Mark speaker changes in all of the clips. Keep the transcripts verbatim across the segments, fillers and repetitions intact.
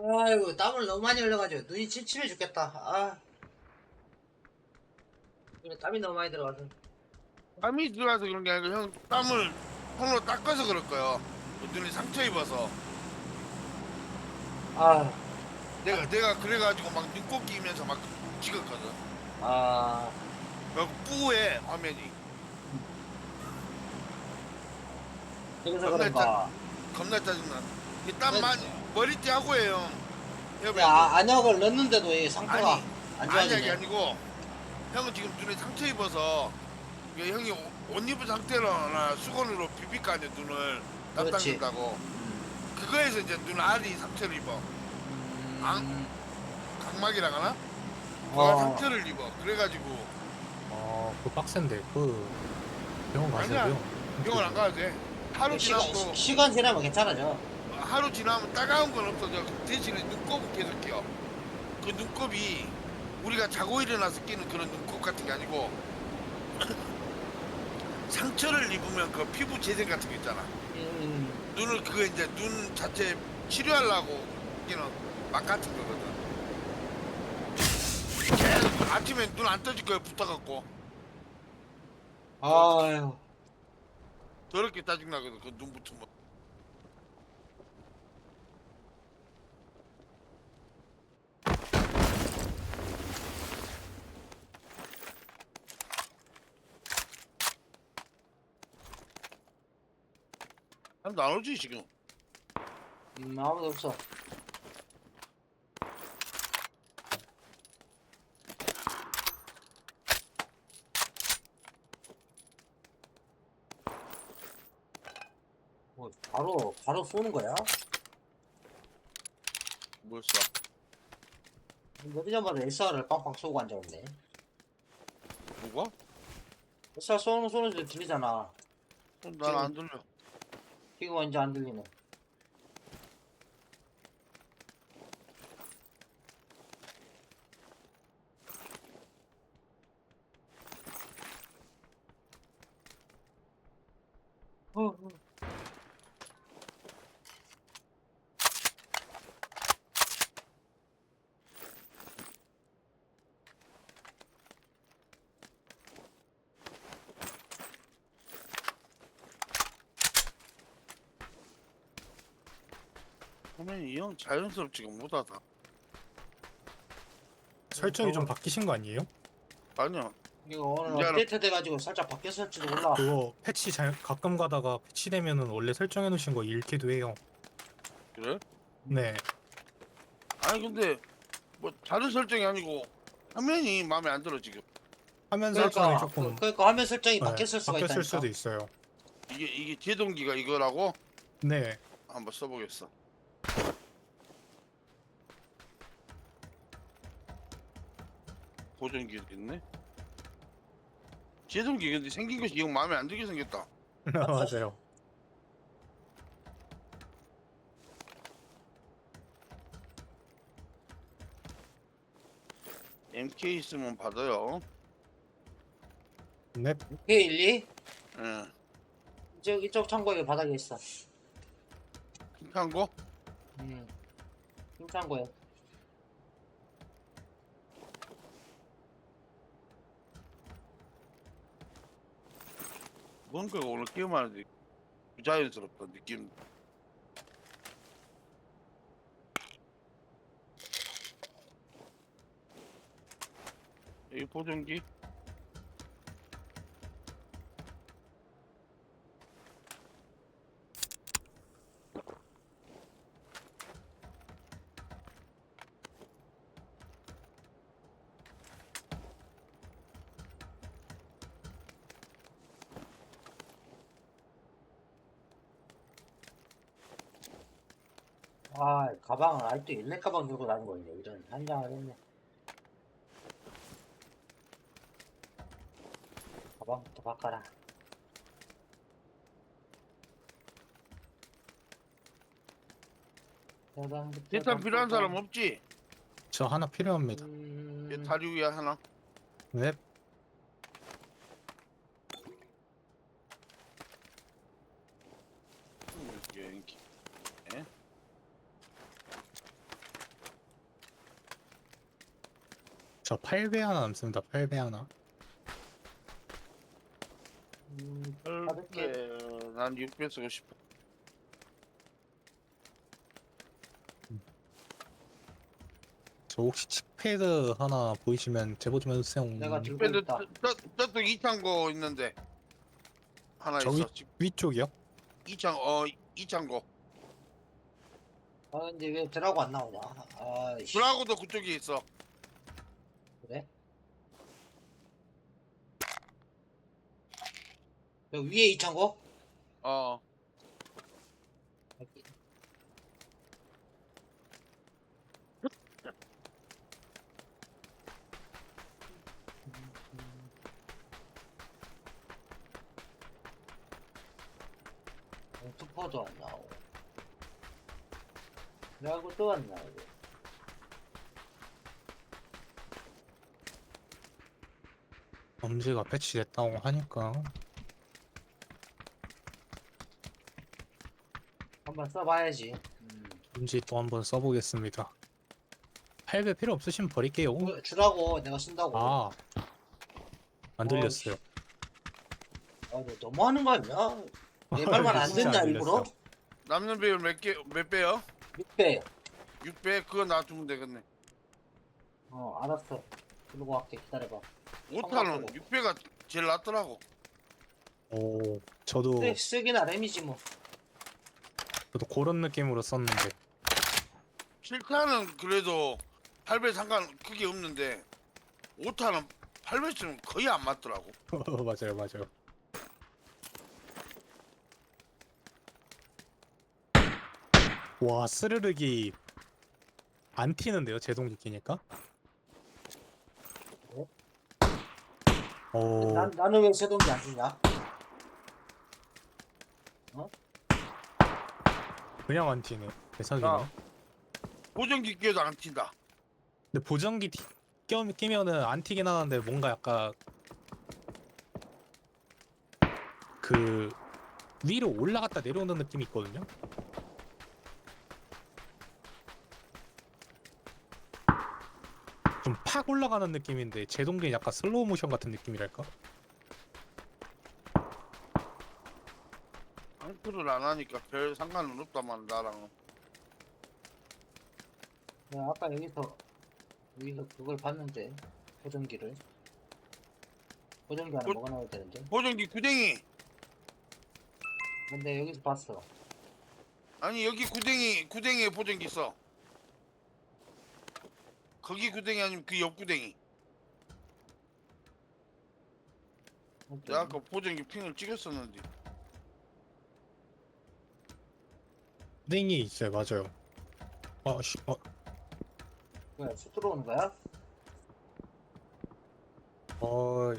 Speaker 1: 아이고, 땀을 너무 많이 흘려가지고 눈이 침침해 죽겠다. 아, 이거 땀이 너무 많이 들어가서.
Speaker 2: 땀이 들어가서 그런 게 아니고 형 땀을 손으로 닦아서 그럴 거예요. 눈이 상처 입어서.
Speaker 1: 아,
Speaker 2: 내가 내가 그래가지고 막 눈곱 끼면서 막 찍었거든.
Speaker 1: 아,
Speaker 2: 막 뿌해 화면이.
Speaker 1: 그래서
Speaker 2: 겁나 짜
Speaker 1: 그런가.
Speaker 2: 겁나 짜증나. 이땀
Speaker 1: 그,
Speaker 2: 많이 머리띠 하고 해요.
Speaker 1: 그
Speaker 2: 여러분 그
Speaker 1: 아, 안약을 넣는데도 이 상태가
Speaker 2: 아니
Speaker 1: 안
Speaker 2: 안약이
Speaker 1: 좋아지네.
Speaker 2: 아니고 형은 지금 눈에 상처 입어서 이게 형이 옷- 옷 입은 상태로나 수건으로 비빌 거 아니야 눈을 땀
Speaker 1: 그렇지.
Speaker 2: 닦는다고. 그거에서 이제 눈 알이 상처를 입어. 앙
Speaker 1: 음,
Speaker 2: 각막이라 하나? 그거
Speaker 1: 어,
Speaker 2: 상처를 입어. 그래가지고
Speaker 3: 어, 그 빡센데, 그, 병원
Speaker 2: 아니야
Speaker 3: 가셔야돼요.
Speaker 2: 병원 안 가도 돼. 하루
Speaker 1: 시간,
Speaker 2: 지나고
Speaker 1: 시간 지나면 괜찮아져.
Speaker 2: 하루 지나면 따가운 건 없어져. 그 대신에 눈곱은 계속 껴. 그 눈곱이 우리가 자고 일어나서 끼는 그런 눈곱 같은 게 아니고 상처를 입으면 그 피부 재생 같은 거 있잖아.
Speaker 1: 음,
Speaker 2: 눈을 그거 이제 눈 자체 치료하려고 끼는 막 같은 거거든. 계속 아침에 눈 안 떠질 거야 붙어갖고 그
Speaker 1: 아유,
Speaker 2: 더럽게 짜증나거든 그 눈 붙으면. 사람도 안 오지 지금.
Speaker 1: 음, 아무도 없어. 뭐, 바로, 바로 쏘는 거야?
Speaker 2: 뭘 써?
Speaker 1: 며칠 전마다 에스알을 빵빵 쏘고 앉아있네.
Speaker 2: 누가?
Speaker 1: 에스알 쏘는, 쏘는 소 들리잖아.
Speaker 2: 난 안 들려.
Speaker 1: 지금 완전 안 들리네. 어, 어.
Speaker 2: 화면이 형 자연스럽지가 못하다.
Speaker 3: 설정이 좀
Speaker 1: 저거-
Speaker 3: 바뀌신 거 아니에요?
Speaker 2: 아니야.
Speaker 1: 이거 오늘
Speaker 2: 이제 알아.
Speaker 1: 업데이트 돼가지고 살짝 바뀌었을지도 몰라.
Speaker 3: 그거 패치 잘, 가끔 가다가 패치되면은 원래 설정해 놓으신 거 잃기도 해요.
Speaker 2: 그래?
Speaker 3: 네.
Speaker 2: 아니 근데 뭐 다른 설정이 아니고 화면이 마음에 안 들어 지금.
Speaker 3: 화면 설정이
Speaker 1: 그러니까,
Speaker 3: 조금,
Speaker 1: 그, 그러니까 화면 설정이
Speaker 3: 네,
Speaker 1: 바뀌었을 수가
Speaker 3: 바뀌었을
Speaker 1: 있다니까.
Speaker 3: 수도 있어요.
Speaker 2: 이게 이게 제동기가 이거라고
Speaker 3: 네.
Speaker 2: 한번 써보겠어. 보정기 있네. 제동기 근데 생긴 것이 영 마음에 안 들게 생겼다.
Speaker 3: 맞아요.
Speaker 2: 엠케이 있으면 받아요.
Speaker 3: 네.
Speaker 1: 오케이, 일리?
Speaker 2: 예.
Speaker 1: 이쪽, 이쪽 창고에 바닥에 있어.
Speaker 2: 핑크한 거?
Speaker 1: 음, 이 창고에.
Speaker 2: 뭔가 오늘 게임하는데 부자연스럽다 느낌. 여기 보정기.
Speaker 1: 아, 가방을 아직도 일렉 가방 들고 다니는 거 있네. 이런, 한장을 했네. 가방부터 바꿔라. 가방부터
Speaker 2: 대탄 필요한
Speaker 1: 바꿔라.
Speaker 2: 사람 없지?
Speaker 3: 저 하나 필요합니다.
Speaker 2: 얘
Speaker 1: 음,
Speaker 2: 다리 위에 하나.
Speaker 3: 네.
Speaker 2: 여기. 예?
Speaker 3: 저 팔 배 하나 남습니다. 팔 배 하나.
Speaker 1: 음,
Speaker 2: 팔
Speaker 1: 가볍게.
Speaker 2: 배, 난 육 배 쓰고 싶어.
Speaker 3: 저 혹시 칙패드 하나 보이시면 제보 좀 해주세요.
Speaker 1: 내가 들고
Speaker 2: 배도
Speaker 1: 있다.
Speaker 2: 저, 저쪽 이창고 있는데 하나
Speaker 3: 저
Speaker 2: 있어.
Speaker 3: 위, 위쪽이요?
Speaker 2: 이창 어 이창고.
Speaker 1: 아, 근데 왜 드라고 안 나오냐? 아이씨.
Speaker 2: 브라고도 그쪽에 있어.
Speaker 1: 그래? 여기 위에 이창고?
Speaker 2: 어.
Speaker 1: 여기. 어, 투퍼도 안 나오고. 드라고 또 안 나오고.
Speaker 3: 범죄가 패치됐다고 하니까
Speaker 1: 한번 써봐야지. 음.
Speaker 3: 범죄 또 한번 써보겠습니다. 팔 배 필요 없으시면 버릴게요.
Speaker 1: 주- 주라고 내가 쓴다고.
Speaker 3: 아, 안 들렸어요.
Speaker 1: 아, 너 너무 하는 거 아니야? 내 말만 안
Speaker 3: 진짜
Speaker 1: 듣냐,
Speaker 3: 안
Speaker 1: 일부러?
Speaker 3: 들렸어요.
Speaker 2: 남는 배율 몇 개, 몇 배요?
Speaker 1: 육 배.
Speaker 2: 육 배? 그거 놔두면 되겠네.
Speaker 1: 어, 알았어. 들고 갈게. 기다려봐.
Speaker 2: 오 탄은
Speaker 1: 청각으로.
Speaker 2: 육 배가 제일 낫더라고.
Speaker 3: 오, 저도
Speaker 1: 쓰, 쓰긴 나름이지 뭐.
Speaker 3: 저도 그런 느낌으로 썼는데
Speaker 2: 칠 탄은 그래도 팔 배 상관 크게 없는데 오 탄은 팔 배 쓰면 거의 안 맞더라고.
Speaker 3: 맞아요, 맞아요. 와, 스르륵이 안 튀는데요, 제동기 끼니까?
Speaker 1: 그래?
Speaker 3: 오,
Speaker 1: 난, 나는 왜 세동기 안 주냐?
Speaker 3: 그냥 안 튀네. 대박이네.
Speaker 2: 야. 보정기 끼워도 안 튄다.
Speaker 3: 근데 보정기 튀, 껴, 끼면은 안 튀긴 하는데 뭔가 약간 그 위로 올라갔다 내려오는 느낌이 있거든요. 좀 팍 올라가는 느낌인데 제동기는 약간 슬로우 모션 같은 느낌이랄까?
Speaker 2: 앙크를 안 하니까 별 상관은 없다만 나랑은.
Speaker 1: 내가 아까 여기서, 여기서 그걸 봤는데. 보정기를. 보정기 하나
Speaker 2: 보-
Speaker 1: 먹어 넣어야 되는데.
Speaker 2: 보정기 구댕이.
Speaker 1: 근데 여기서 봤어.
Speaker 2: 아니 여기 구댕이 구댕이에 보정기 있어. 거기 구댕이 아니면 그 옆 구댕이. 내가 아까 보정기 핑을 찍었었는데.
Speaker 3: 땡이 있어요, 맞아요. 아, 씨, 어,
Speaker 1: 뭐야, 수 들어오는 거야?
Speaker 3: 어,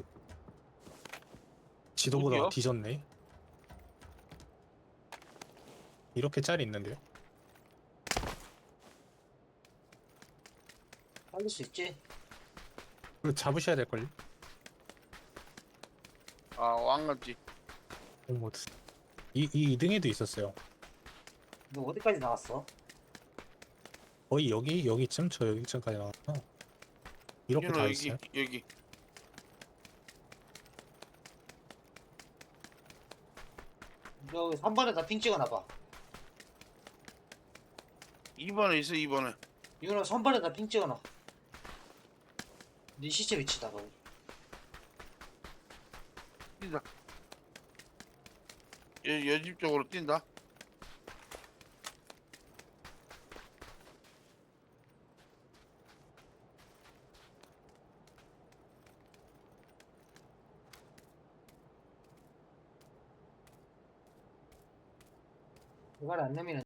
Speaker 3: 지도보다
Speaker 2: 어디요?
Speaker 3: 뒤졌네. 이렇게 짤이 있는데요?
Speaker 1: 살릴 수 있지?
Speaker 3: 이거 잡으셔야 될걸요?
Speaker 2: 아 왕같지.
Speaker 3: 어머, 이, 이 등에도 있었어요.
Speaker 1: 너 어디까지 나갔어?
Speaker 3: 거의 여기, 여기쯤? 저 여기쯤까지 나왔구나. 이렇게
Speaker 2: 윤호
Speaker 3: 다
Speaker 2: 여기
Speaker 3: 있어요?
Speaker 2: 여기.
Speaker 1: 너 여기 삼 번에다 핑 찍어놔봐.
Speaker 2: 이 번에 있어 이 번에.
Speaker 1: 이거는 삼 번에다 핑 찍어놔. 네 시체 위치다, 거기.
Speaker 2: 뛴다. 여, 여집 쪽으로 뛴다.
Speaker 1: 이걸 안 내면